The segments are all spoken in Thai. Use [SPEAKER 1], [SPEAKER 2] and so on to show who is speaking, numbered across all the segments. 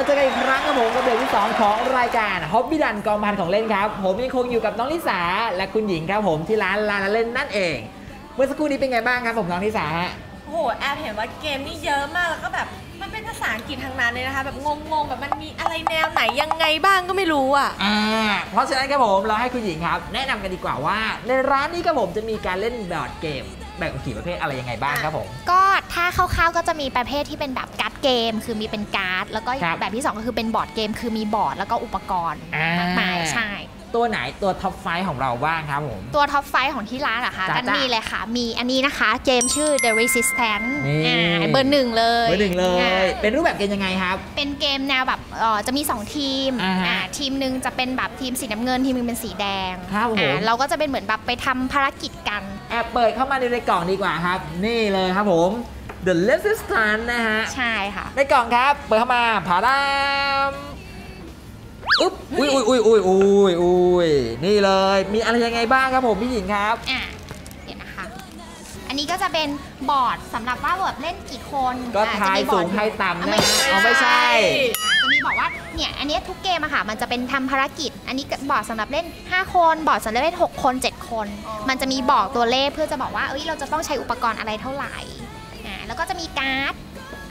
[SPEAKER 1] จอกันอีกครั้งครับผมกับเดือนที่2ของรายการฮอบบี้ดันกองพันของเล่นครับผมยังคงอยู่กับน้องลิสาและคุณหญิงครับผมที่ร้านลาเล่นนั่นเองเมื่อสักครู่นี้เป็นไงบ้างครับผมน้องลิสาฮะ
[SPEAKER 2] โอ้โหแอบเห็นว่าเกมนี่เยอะมากแล้วก็แบบมันเป็นภาษาอังกฤษทางนั้นเลยนะคะแบบงงๆแบบมันมีอะไรแนวไหนยังไงบ้างก็ไม่รู้อ่ะ
[SPEAKER 1] เพราะฉะนั้นครับผมเราให้คุณหญิงครับแนะนำกันดีกว่าว่าในร้านนี้ครับผมจะมีการเล่นบอร์ดเกมแบ่งเป็นกี่ประเภทอะไรยังไงบ้างครับผม
[SPEAKER 3] ก็ถ้าคร่าวๆก็จะมีประเภทที่เป็นแบบการ์ดเกมคือมีเป็นการ์ดแล้วก็แบบที่2ก็คือเป็นบอร์ดเกมคือมีบอร์ดแล้วก็อุปกรณ์มากมายใช่
[SPEAKER 1] ตัวไหนตัวท็อปไฟของเราบ้างครับผม
[SPEAKER 3] ตัวท็อปไฟของที่ร้านอะคะกันมีเลยค่ะมีอันนี้นะคะเกมชื่อ The Resistance เบอร์1เลย
[SPEAKER 1] เบอร์1เลยเป็นรูปแบบเกมยังไงครับ
[SPEAKER 3] เป็นเกมแนวแบบจะมี2ทีมทีมหนึ่งจะเป็นแบบทีมสีน้ำเงินทีมนึงเป็นสีแดงเราก็จะเป็นเหมือนแบบไปทำภารกิจกัน
[SPEAKER 1] แอบเปิดเข้ามาในกล่องดีกว่าครับนี่เลยครับผม The Resistance นะฮะ
[SPEAKER 3] ใช่ค่ะ
[SPEAKER 1] ในกล่องครับเปิดเข้ามาผาดามอุ๊บอุ้ยนี่เลยมีอะไรยังไงบ้างครับผมพี่หญิงครับ
[SPEAKER 3] เดี๋ยวนะคะอันนี้ก็จะเป็นบอร์ดสำหรับว่าแบบเล่นกี่คน
[SPEAKER 1] ก็ทายสูงทายต่ำนะไม่ใช่
[SPEAKER 3] จะมีบอกว่าเนี่ยอันนี้ทุกเกมอะค่ะมันจะเป็นทำภารกิจอันนี้บอร์ดสำหรับเล่น5คนบอร์ดสำหรับเล่น6คน7คนมันจะมีบอกตัวเลขเพื่อจะบอกว่าเราจะต้องใช้อุปกรณ์อะไรเท่าไหร่แล้วก็จะมีการ์ด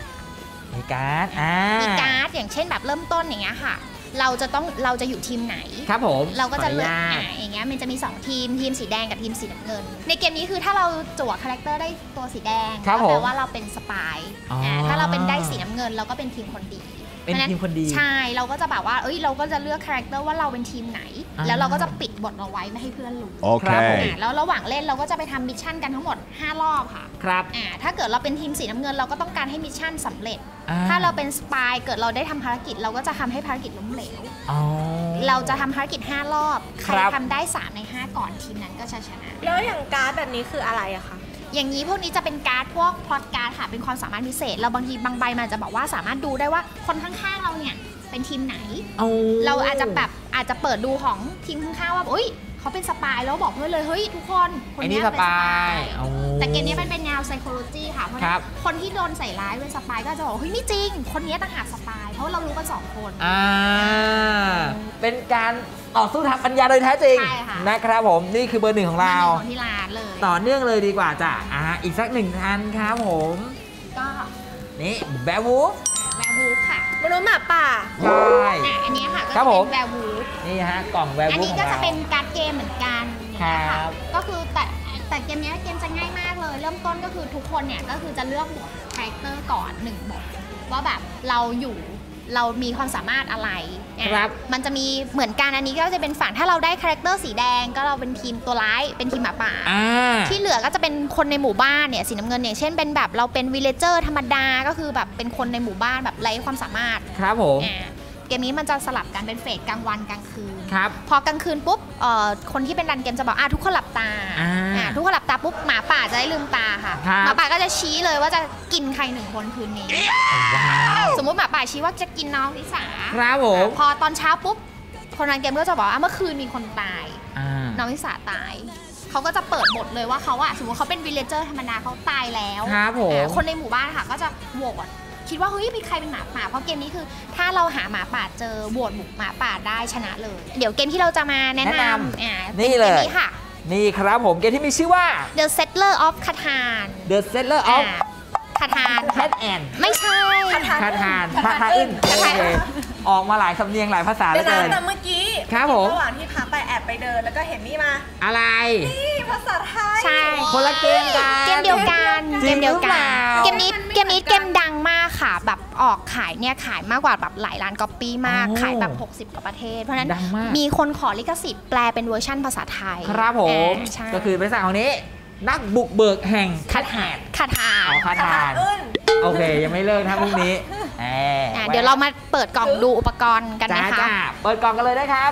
[SPEAKER 3] อย่างเช่นแบบเริ่มต้นอย่างเงี้ยค่ะเราจะอยู่ทีมไหน
[SPEAKER 1] ครับผม
[SPEAKER 3] เราก็จะเลือกอย่างเงี้ยมันจะมี2ทีมสีแดงกับทีมสีน้ำเงินในเกมนี้คือถ้าเราจั่วคาแรคเตอร์ได้ตัวสีแดงก็แปลว่าเราเป็นสปายถ้าเราเป็นได้สีน้ำเงินเราก็เป็นทีมคนดี
[SPEAKER 1] เป็นทีมคนดี
[SPEAKER 3] ใช่เราก็จะแบบว่าเราก็จะเลือกคาแรคเตอร์ว่าเราเป็นทีมไหนแล้วเราก็จะปิดบทเอาไว้ไม่ให้เพื่อนรู้
[SPEAKER 1] โอเค
[SPEAKER 3] แล้วระหว่างเล่นเราก็จะไปทำมิชชั่นกันทั้งหมด5รอบค่ะ
[SPEAKER 1] ครับ
[SPEAKER 3] ถ้าเกิดเราเป็นทีมสีน้ำเงินเราก็ต้องการให้มิชชั่นสำเร็จถ้าเราเป็นสปายเกิดเราได้ทำภารกิจเราก็จะทำให้ภารกิจล้มเหลวเราจะทำภารกิจ5รอบใครทำได้3ใน5ก่อนทีมนั้นก็ชนะ
[SPEAKER 2] แล้วอย่างการ์ดแบบนี้คืออะไรอะคะ
[SPEAKER 3] อย่างนี้พวกนี้จะเป็นการ์ดพวกพล็อตการ์ดค่ะเป็นความสามารถพิเศษเราบางทีบางใบมันจะบอกว่าสามารถดูได้ว่าคนข้างๆเราเนี่ยเป็นทีมไหนเราอาจจะเปิดดูของทีมข้างๆว่าเขาเป็นสปายแล้วบอกเพื่อนเลยเฮ้ยทุกคน
[SPEAKER 1] นี้เป็นสปาย
[SPEAKER 3] แต่เกมนี้มันเป็นแนว psychology ค่ะเพราะคนที่โดนใส่ร้ายเป็นสปายก็จะบอกเฮ้ยไม่จริงคนนี้ต่างหากสปายเพราะเรารู้กัน2คน
[SPEAKER 1] เป็นการต่อสู้ทางปัญญาโดยแท้จริงนะครับผมนี่คือเบอร์1ของเรา
[SPEAKER 3] ของที่ร้านเลย
[SPEAKER 1] ต่อเนื่องเลยดีกว่าจ้ะอีกสัก1อันครับผม
[SPEAKER 3] ก็
[SPEAKER 1] นี่แบวูฟ
[SPEAKER 3] ค่ะ
[SPEAKER 2] มนุษย์หมาป่า
[SPEAKER 1] ใช่
[SPEAKER 3] อันนี้ค่ะก็เป็นแวร์วูฟ
[SPEAKER 1] นี่ฮะกล่องแวร์วูฟอัน
[SPEAKER 3] นี้ก็จะเป็นการ์ดเกมเหมือนกันค่ะก็คือแต่เกมนี้เกมจะง่ายมากเลยเริ่มต้นก็คือทุกคนเนี่ยก็คือจะเลือกบทคาแรคเตอร์ก่อน1บทว่าแบบเรามีความสามารถอะไรมันจะมีเหมือนกันอันนี้ก็จะเป็นฝั่งถ้าเราได้คาแรคเตอร์สีแดงก็เราเป็นทีมตัวร้ายเป็นทีมหมาป่าที่เหลือก็จะเป็นคนในหมู่บ้านเนี่ยสีน้ำเงินอย่างเช่นเป็นแบบเราเป็นวิลเลเจอร์ธรรมดาก็คือแบบเป็นคนในหมู่บ้านแบบไร้ความสามารถ
[SPEAKER 1] ครับผม
[SPEAKER 3] เกมนี้มันจะสลับกันเป็นเฟสกลางวันกลางคืน
[SPEAKER 1] ครับ
[SPEAKER 3] พอกลางคืนปุ๊บคนที่เป็นรันเกมจะบอกทุกคนหลับตาทุกคนหลับตาปุ๊บหมาป่าจะได้ลืมตาค่ะหมาป่าก็จะชี้เลยว่าจะกินใคร1คนคืนนี้สมมุติหมาป่าชี้ว่าจะกินน้องลิสา
[SPEAKER 1] ครับผม
[SPEAKER 3] พอตอนเช้าปุ๊บคนรันเกมก็จะบอกว่าเมื่อคืนมีคนตายน้องลิสาตายเขาก็จะเปิดบทเลยว่าเขาสมมติเขาเป็นวิลเลเจอร์ธรรมดาเขาตายแล้วคนในหมู่บ้านค่ะก็จะโหวตคิดว่าเฮ้ยมีใครเป็นหมาป่าเพราะเกมนี้คือถ้าเราหาหมาป่าเจอโหวตหมาป่าได้ชนะเลยเดี๋ยวเกมที่เราจะมาแนะนำ
[SPEAKER 1] นี่เลย
[SPEAKER 3] ค่ะ
[SPEAKER 1] นี่ครับผมเกมที่มีชื่อว่า
[SPEAKER 3] The Settler of Catan
[SPEAKER 1] The Settler of
[SPEAKER 3] Catan ไม่ใช่
[SPEAKER 1] คาทานอึ้นออกมาหลายสำเนียงหลายภาษาเลย
[SPEAKER 2] แต่เมื่อกี้
[SPEAKER 1] ครับผม
[SPEAKER 2] ระหว่างที่พักไปแอบไปเดินแล้วก็เห็นนี่มา
[SPEAKER 1] อะไร
[SPEAKER 2] นี่ภาษาไทย
[SPEAKER 3] ใช่
[SPEAKER 1] คนละเกมกัน
[SPEAKER 3] เกมเดียวกันเกมนี้เกมดังมากค่ะแบบออกขายเนี่ยขายมากกว่าแบบหลายล้านก๊อปปี้มากขายแบบ60กว่าประเทศเพราะฉะนั้นมีคนขอลิขสิทธิ์แปลเป็นเวอร์ชั่นภาษาไทย
[SPEAKER 1] ครับผมก็คือภาษาของนี้นักบุกเบิกแห่งคาทานโอเคยังไม่เลิกนะพรุ่งนี้
[SPEAKER 3] เดี๋ยวเรามาเปิดกล่องดูอุปกรณ์กันนะคะ
[SPEAKER 1] เปิดกล่องกันเลยนะครับ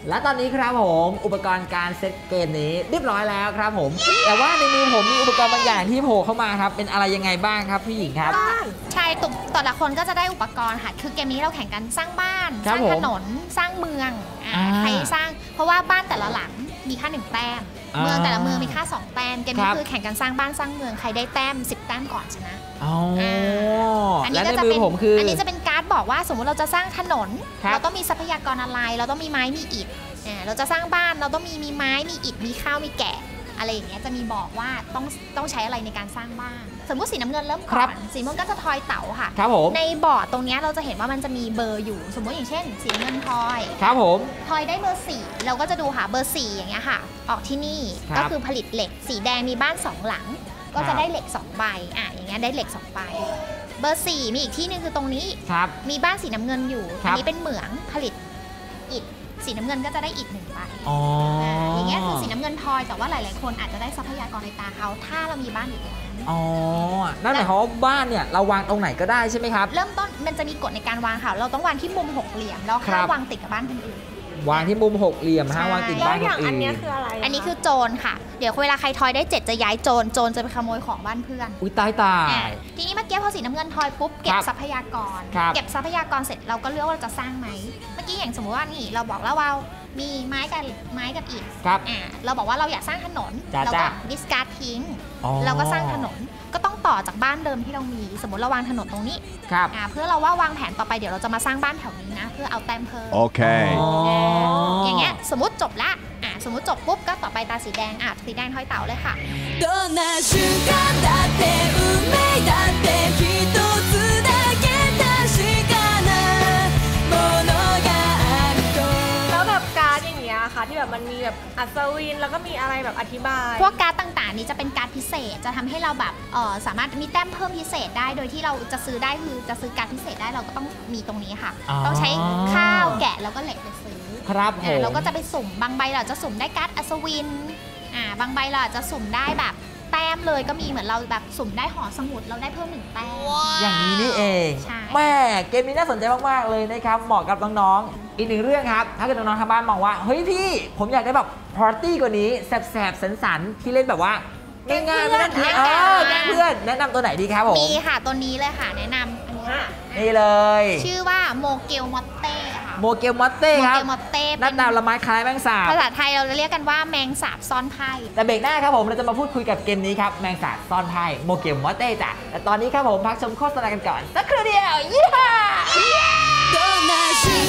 [SPEAKER 1] และตอนนี้ครับผมอุปกรณ์การเซตเกมนี้เรียบร้อยแล้วครับผมแต่ว่าในมือผมมีอุปกรณ์บางอย่างที่โผล่เข้ามาครับเป็นอะไรยังไงบ้างครับพี่หญิงครับ
[SPEAKER 3] ใช่แต่ละคนก็จะได้อุปกรณ์ค่ะคือเกมนี้เราแข่งกันสร้างบ้านสร้างถนนสร้างเมืองใครสร้างเพราะว่าบ้านแต่ละหลังมีค่า1แต้มเมืองแต่ละเมืองมีค่า2แต้มเกมนี้คือแข่งกันสร้างบ้านสร้างเมืองใครได้แต้ม10แต้มก่อนชนะ
[SPEAKER 1] อันนี้ก็จะเป็น
[SPEAKER 3] อันนี้จะเป็นการ์ดบอกว่าสมมุติเราจะสร้างถนนเราต้องมีทรัพยากรอะไรเราต้องมีไม้มีอิฐเราจะสร้างบ้านเราต้องมีไม้มีอิฐมีข้าวมีแกะอะไรอย่างเงี้ยจะมีบอกว่าต้องใช้อะไรในการสร้างบ้านสมมุติสีน้ำเงินเริ่มก่อนสีม่วงก็จะทอยเต๋าค่ะในบอร์ดตรงนี้เราจะเห็นว่ามันจะมีเบอร์อยู่สมมติอย่างเช่นสีน้ำเงินทอย
[SPEAKER 1] ครับผม
[SPEAKER 3] ทอยได้เบอร์4เราก็จะดูหาเบอร์4อย่างเงี้ยค่ะออกที่นี่ก็คือผลิตเหล็กสีแดงมีบ้าน2หลังก็จะได้เหล็ก2ใบอย่างเงี้ยได้เหล็ก2ใบเบอร์4มีอีกที่นึงคือตรงนี้มีบ้านสีน้ำเงินอยู่อันนี้เป็นเหมืองผลิตอิฐสีน้ำเงินก็จะได้อีก1ใบอย่างเงี้ยคือสีน้ำเงินทอยแต่ว่าหลายๆคนอาจจะได้ทรัพยากรในตาเขาถ้าเรามีบ้านอยู่ตรงนั้น
[SPEAKER 1] นั่นหมายความว่าบ้านเนี่ยเราวางตรงไหนก็ได้ใช่ไหมครับ
[SPEAKER 3] เริ่มต้นมันจะมีกฎในการวางค่ะเราต้องวางที่มุม6เหลี่ยมแล้วห้ามวางติดกับบ้านคนอื่น
[SPEAKER 1] วางที่มุม6เหลี่ยมห้ามวางติดบ้านคนอื่น
[SPEAKER 2] อันนี้คืออะไร
[SPEAKER 3] อันนี้คือโจรค่ะเดี๋ยวเวลาใครทอยได้7จะย้ายโจรจะไปขโมยของบ้านเพื่อน
[SPEAKER 1] อุ้ยตาย
[SPEAKER 3] ทีนี้เมื่อกี้พอสีน้ำเงินทอยปุ๊บเก็บทรัพยากรเก็บทรัพยากรเสร็จเราก็เลือกว่าเราจะสร้างไหมเมื่อกี้อย่างสมมติว่านี่เราบอกแล้วว่ามีไม้กับอิฐเราบอกว่าเราอยากสร้างถนนเราก็ดิสการ์ดทิ้งเราก็สร้างถนนก็ต้องต่อจากบ้านเดิมที่เรามีสมมติเราวางถนนตรงนี้เพื่อเราว่าวางแผนต่อไปเดี๋ยวเราจะมาสร้างบ้านแถวนี้นะเพื่อเอาแต้มเพิ่ม
[SPEAKER 4] โอเค
[SPEAKER 3] อย่างเงี้ยสมมติจบละสมมติจบปุ๊บก็ต่อไปตาสีแดงสีแดงทอยเต๋าเลยค่ะ
[SPEAKER 2] ที่แบบมันมีแบบอัศวินแล้วก็มีอะไรแบบอธิบาย
[SPEAKER 3] พวกการ์ดต่างๆนี้จะเป็นการ์ดพิเศษจะทำให้เราแบบสามารถมีแต้มเพิ่มพิเศษได้โดยที่เราจะซื้อได้คือจะซื้อการ์ดพิเศษได้เราก็ต้องมีตรงนี้ค่ะต้องใช้ข้าวแกะแล้วก็เหล็กไปซื้อ
[SPEAKER 1] ครับ
[SPEAKER 3] เราก็จะไปสุ่มบางใบเราจะสุ่มได้การ์ดอัศวินบางใบเราจะสุ่มได้แบบแต้มเลยก็มีเหมือนเราแบบสุ่มได้หอสมุดเราได้เพิ่ม1แต้ม
[SPEAKER 1] อย่างนี้นี่เองแม่เกมนี้น่าสนใจมากๆเลยนะครับเหมาะกับน้องๆอีกหนึ่งเรื่องครับถ้าเกิดน้องๆทางบ้านมองว่าเฮ้ยพี่ผมอยากได้แบบปาร์ตี้กว่านี้แสบๆสันๆที่เล่นแบบว่าง่ายๆไม่ต้องแกล้งเพื่อนแนะนำตัวไหนดีครับผม
[SPEAKER 3] มีค่ะตัวนี้เลยค่ะแนะนำอันนี้ค่ะ
[SPEAKER 1] นี่เลย
[SPEAKER 3] ชื่อว่าโมเกลมอตเต้ค่ะ
[SPEAKER 1] โมเกลมอตเต้ครับหน้าตาละไม้คล้ายแมงสาบ
[SPEAKER 3] ภาษาไทยเราจะเรียกกันว่าแมงสาบซ่อนไพ่
[SPEAKER 1] แต่เบรกหน้าครับผมเราจะมาพูดคุยกับเกมนี้ครับแมงสาบซ่อนไพ่โมเกลมอตเต้จ้ะแต่ตอนนี้ครับผมพักชมโฆษณากันก่อนสักครู่เดียวยี่ห้า